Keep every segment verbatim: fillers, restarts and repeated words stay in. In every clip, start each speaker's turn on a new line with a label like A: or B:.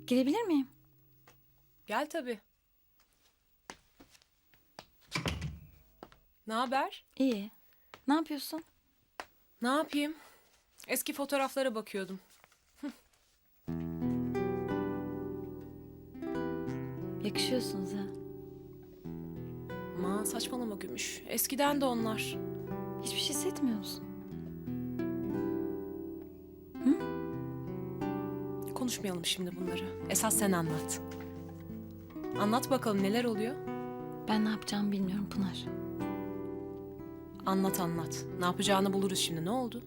A: Girebilir miyim?
B: Gel tabii. Ne haber?
A: İyi. Ne yapıyorsun?
B: Ne yapayım? Eski fotoğraflara bakıyordum.
A: Yakışıyorsunuz ha.
B: Aman saçmalama Gümüş. Eskiden de onlar.
A: Hiçbir şey hissetmiyor musun?
B: Konuşmayalım şimdi bunları. Esas sen anlat. Anlat bakalım neler oluyor?
A: Ben ne yapacağımı bilmiyorum Pınar.
B: Anlat anlat. Ne yapacağını buluruz şimdi. Ne oldu?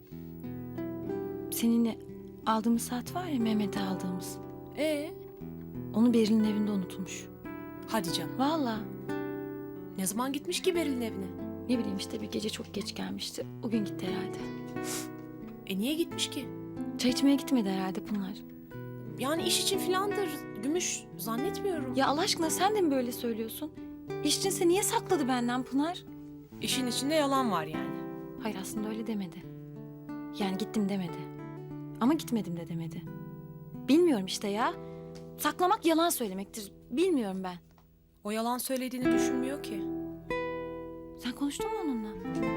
A: Seninle aldığımız saat var ya, Mehmet'e aldığımız.
B: Ee,
A: Onu Beril'in evinde unutmuş.
B: hadi canım.
A: Vallahi.
B: Ne zaman gitmiş ki Beril'in evine?
A: Ne bileyim işte, bir gece çok geç gelmişti. O gün gitti herhalde.
B: E niye gitmiş ki?
A: Çay içmeye gitmedi herhalde Pınar.
B: Yani iş için filandır. Gümüş zannetmiyorum.
A: Ya Allah aşkına sen de mi böyle söylüyorsun? İş içinse niye sakladı benden Pınar?
B: İşin içinde yalan var yani.
A: Hayır, aslında öyle demedi. Yani gittim demedi. Ama gitmedim de demedi. Bilmiyorum işte ya. Saklamak yalan söylemektir. Bilmiyorum ben.
B: O yalan söylediğini düşünmüyor ki.
A: Sen konuştun mu onunla?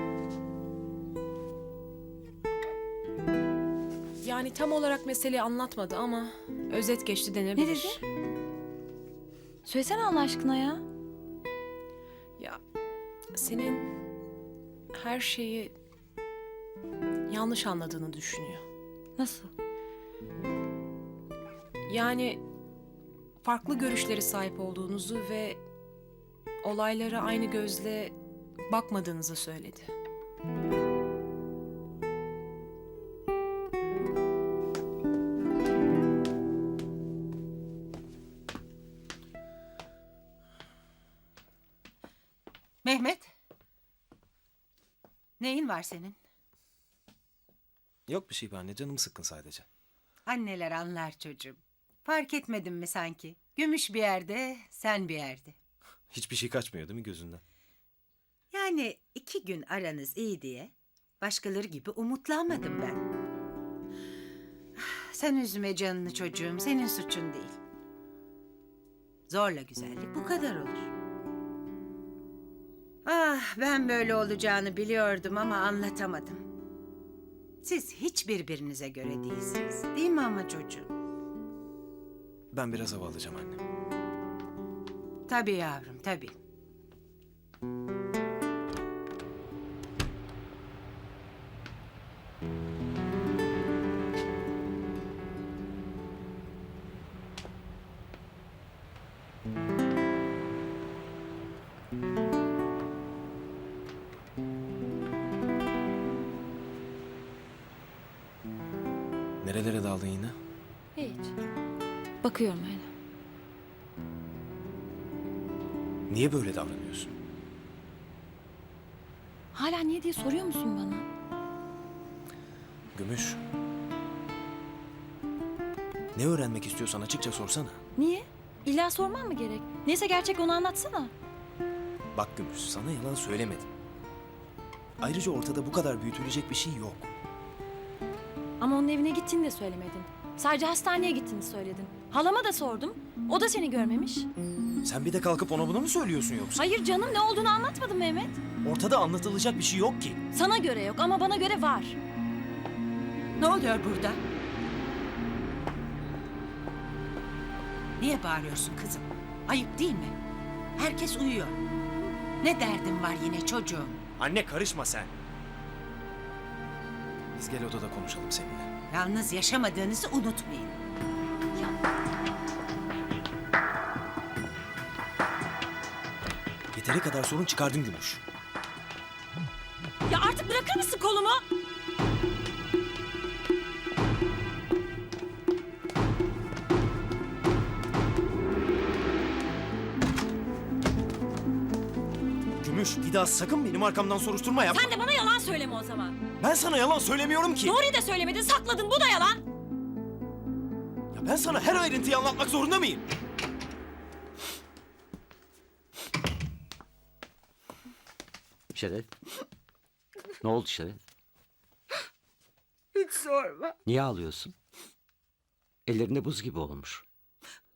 B: Yani tam olarak meseleyi anlatmadı ama özet geçti denebilir.
A: Ne dedi? Söylesene Allah aşkına ya.
B: Ya senin her şeyi yanlış anladığını düşünüyor.
A: Nasıl?
B: Yani farklı görüşlere sahip olduğunuzu ve olaylara aynı gözle bakmadığınızı söyledi.
C: Mehmet. Neyin var senin?
D: Yok bir şey be anne, canım sıkkın sadece.
C: Anneler anlar çocuğum. Fark etmedin mi sanki? Gümüş bir yerde, sen bir yerde.
D: Hiçbir şey kaçmıyor değil mi gözünden?
C: Yani iki gün aranız iyi diye başkaları gibi umutlanmadım ben. Sen üzme canını çocuğum, senin suçun değil. Zorla güzellik bu kadar olur. Ah, ben böyle olacağını biliyordum ama anlatamadım. Siz hiç birbirinize göre değilsiniz, değil mi ama çocuğum?
D: Ben biraz hava alacağım anne.
C: Tabii yavrum, tabii.
D: Nerelere daldın yine?
A: Hiç. Bakıyorum öyle.
D: Niye böyle davranıyorsun?
A: Hala niye diye soruyor musun bana?
D: Gümüş. Ne öğrenmek istiyorsan açıkça sorsana.
A: Niye? İlla sorman mı gerek? Neyse gerçek, onu anlatsana.
D: Bak Gümüş, sana yalan söylemedim. Ayrıca ortada bu kadar büyütülecek bir şey yok.
A: Ama onun evine gittiğini de söylemedin. Sadece hastaneye gittiğini söyledin. Halama da sordum. O da seni görmemiş.
D: Sen bir de kalkıp ona bunu mu söylüyorsun yoksa?
A: Hayır canım, ne olduğunu anlatmadım Mehmet.
D: Ortada anlatılacak bir şey yok ki.
A: Sana göre yok ama bana göre var.
C: Ne oluyor burada? Niye bağırıyorsun kızım? Ayıp değil mi? Herkes uyuyor. Ne derdin var yine çocuğum?
D: Anne karışma sen. Biz gel odada konuşalım seninle.
C: Yalnız yaşamadığınızı unutmayın.
D: Yeteri kadar sorun çıkardın Gümüş.
A: Ya artık bırakır mısın kolumu?
D: Gümüş, bir daha sakın benim arkamdan soruşturma yapma.
A: Sen de bana yalan söyleme o zaman.
D: Ben sana yalan söylemiyorum ki.
A: Doğruyu da söylemedin, sakladın. Bu da yalan.
D: Ya ben sana her ayrıntıyı anlatmak zorunda mıyım?
E: Şeref. Ne oldu Şeref?
C: Hiç sorma.
E: Niye ağlıyorsun? Ellerinde buz gibi olmuş.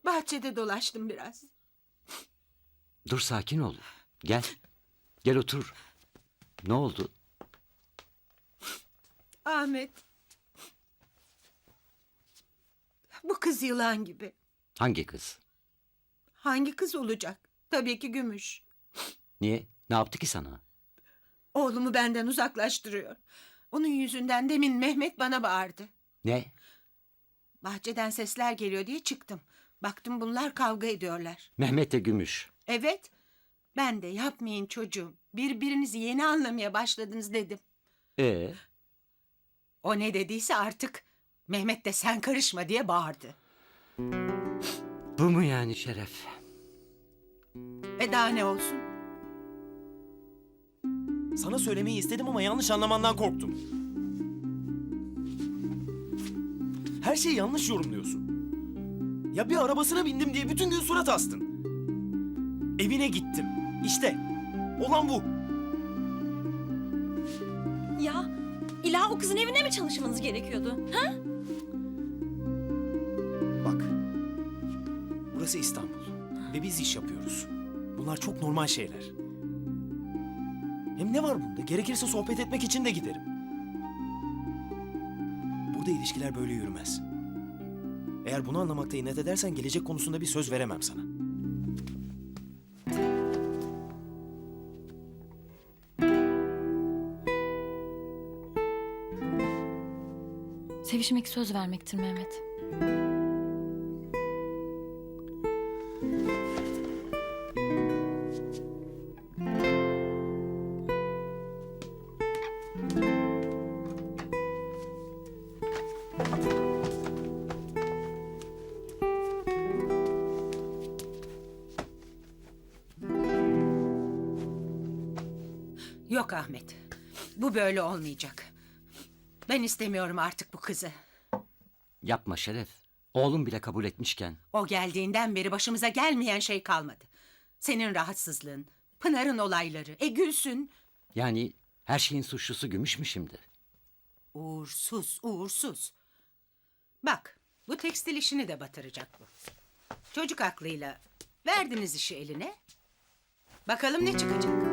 C: Bahçede dolaştım biraz.
E: Dur sakin ol. Gel. Gel otur. Ne oldu?
C: Ahmet. Bu kız yılan gibi.
E: Hangi kız?
C: Hangi kız olacak? Tabii ki Gümüş.
E: Niye? Ne yaptı ki sana?
C: Oğlumu benden uzaklaştırıyor. Onun yüzünden demin Mehmet bana bağırdı.
E: Ne?
C: Bahçeden sesler geliyor diye çıktım. Baktım bunlar kavga ediyorlar.
E: Mehmet'le Gümüş.
C: Evet. Ben de yapmayın çocuğum. Birbirinizi yeni anlamaya başladınız dedim.
E: Ee,
C: O ne dediyse artık Mehmet de sen karışma diye bağırdı.
E: bu mu yani Şeref?
C: E daha ne olsun?
D: Sana söylemeyi istedim ama yanlış anlamandan korktum. Her şeyi yanlış yorumluyorsun. Ya bir arabasına bindim diye bütün gün surat astın. Evine gittim. İşte olan bu.
A: Ya illa o kızın evine mi çalışmanız gerekiyordu? Ha?
D: Bak. Burası İstanbul. Ve biz iş yapıyoruz. Bunlar çok normal şeyler. Hem ne var bunda? Gerekirse sohbet etmek için de giderim. Burada ilişkiler böyle yürümez. Eğer bunu anlamakta inat edersen gelecek konusunda bir söz veremem sana.
A: Sevişmek söz vermektir Mehmet.
C: Yok Ahmet. Bu böyle olmayacak. Ben istemiyorum artık bu kızı.
E: Yapma Şeref. Oğlum bile kabul etmişken.
C: O geldiğinden beri başımıza gelmeyen şey kalmadı. Senin rahatsızlığın, Pınar'ın olayları, e Gülsün.
E: Yani her şeyin suçlusu Gümüş mü şimdi?
C: Uğursuz, uğursuz. Bak, bu tekstil işini de batıracak bu. Çocuk aklıyla verdiniz işi eline. Bakalım ne çıkacak?